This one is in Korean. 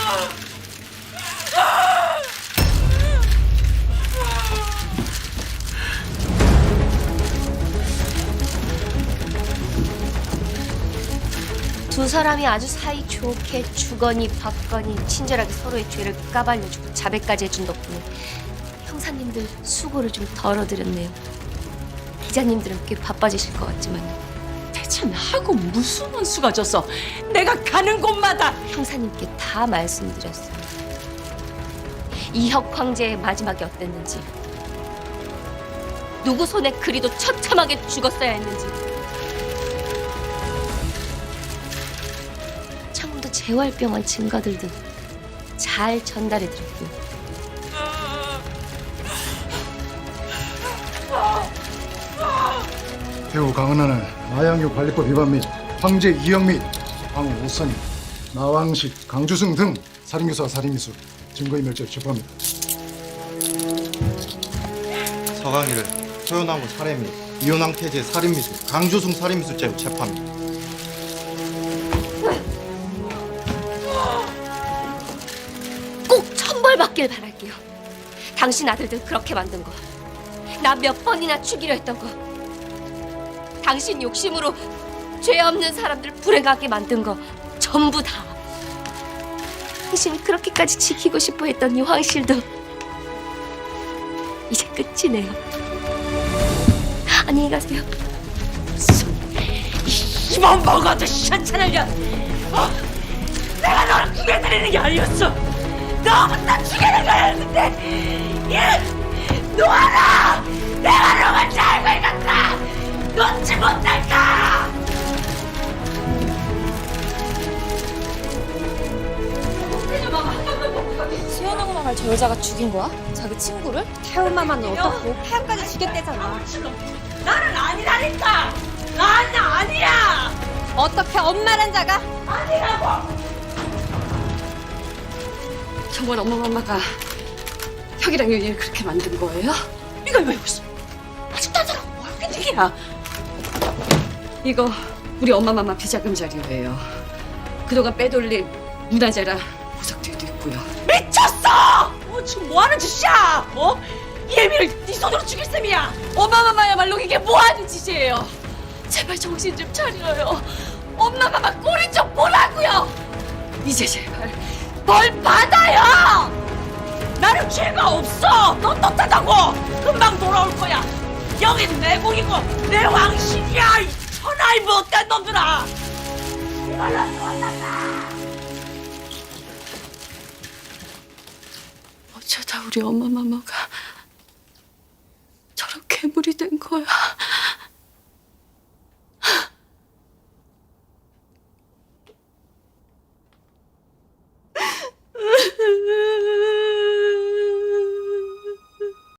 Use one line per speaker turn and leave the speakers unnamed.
두 사람이 아주 사이좋게 주거니 받거니 친절하게 서로의 죄를 까발려주고 자백까지 해준 덕분에 형사님들 수고를 좀 덜어드렸네요. 기자님들은 꽤 바빠지실 것 같지만
대체 나하고 무슨 원수가 졌어? 내가 가는 곳마다
형사님께 다 말씀드렸어요. 이혁 황제의 마지막이 어땠는지, 누구 손에 그리도 처참하게 죽었어야 했는지, 창문도 재활병원 증거들도 잘 전달해드렸고요.
배우 강은하는 마약류 관리법 위반 및 황제 이영 및 황후 오선임, 나왕식, 강주승 등 살인교사와 살인미수 증거인멸죄로 체포합니다.
서강이를 소연왕후 살해 및 이혼왕 태제 살인미수, 강주승 살인미수죄로 체포합니다.
꼭 천벌받길 바랄게요. 당신 아들들 그렇게 만든 거, 나 몇 번이나 죽이려 했던 거, 당신 욕심으로 죄 없는 사람들 불행하게 만든 거 전부 다. 당신이 그렇게까지 지키고 싶어 했던 이 황실도 이제 끝이네요. 안녕히 가세요.
힘만 먹어도 시원찮으려. 내가 너를 죽여드리는 게 아니었어. 너 혼자 죽이는 거였는데 놓아라. 내가 너만 잘 걸렸다. 놓지 못할까.
수연하고 갈 저 여자가 죽인 거야? 자기 친구를? 태훈마마는 어떻고? 태훈까지 죽였대잖아.
나는 아니라니까. 난 아니야.
어떻게 엄마란 자가?
아니라고.
정말 엄마가 혁이랑 윤희를 그렇게 만든 거예요?
이걸 왜 웃어? 아직도 안 살아. 뭐 하는 얘기야?
이거 우리 엄마 비자금 자료예요. 그동안 빼돌린 문화재랑 보석들도 있고요.
미쳤어! 지금 뭐 하는 짓이야? 예미를 네 손으로 죽일 셈이야.
엄마야말로 이게 뭐 하는 짓이에요? 제발 정신 좀 차려요. 엄마마마 꼴이 좀 보라고요. 이제 제발
벌 받아요! 나는 죄가 없어! 넌 떳하다고! 금방 돌아올 거야! 여긴 내 국이고 내 왕실이야! 이 천하의 못된 놈들아! 이걸로 죽었단다!
어쩌다 우리 엄마가 저런 괴물이 된 거야.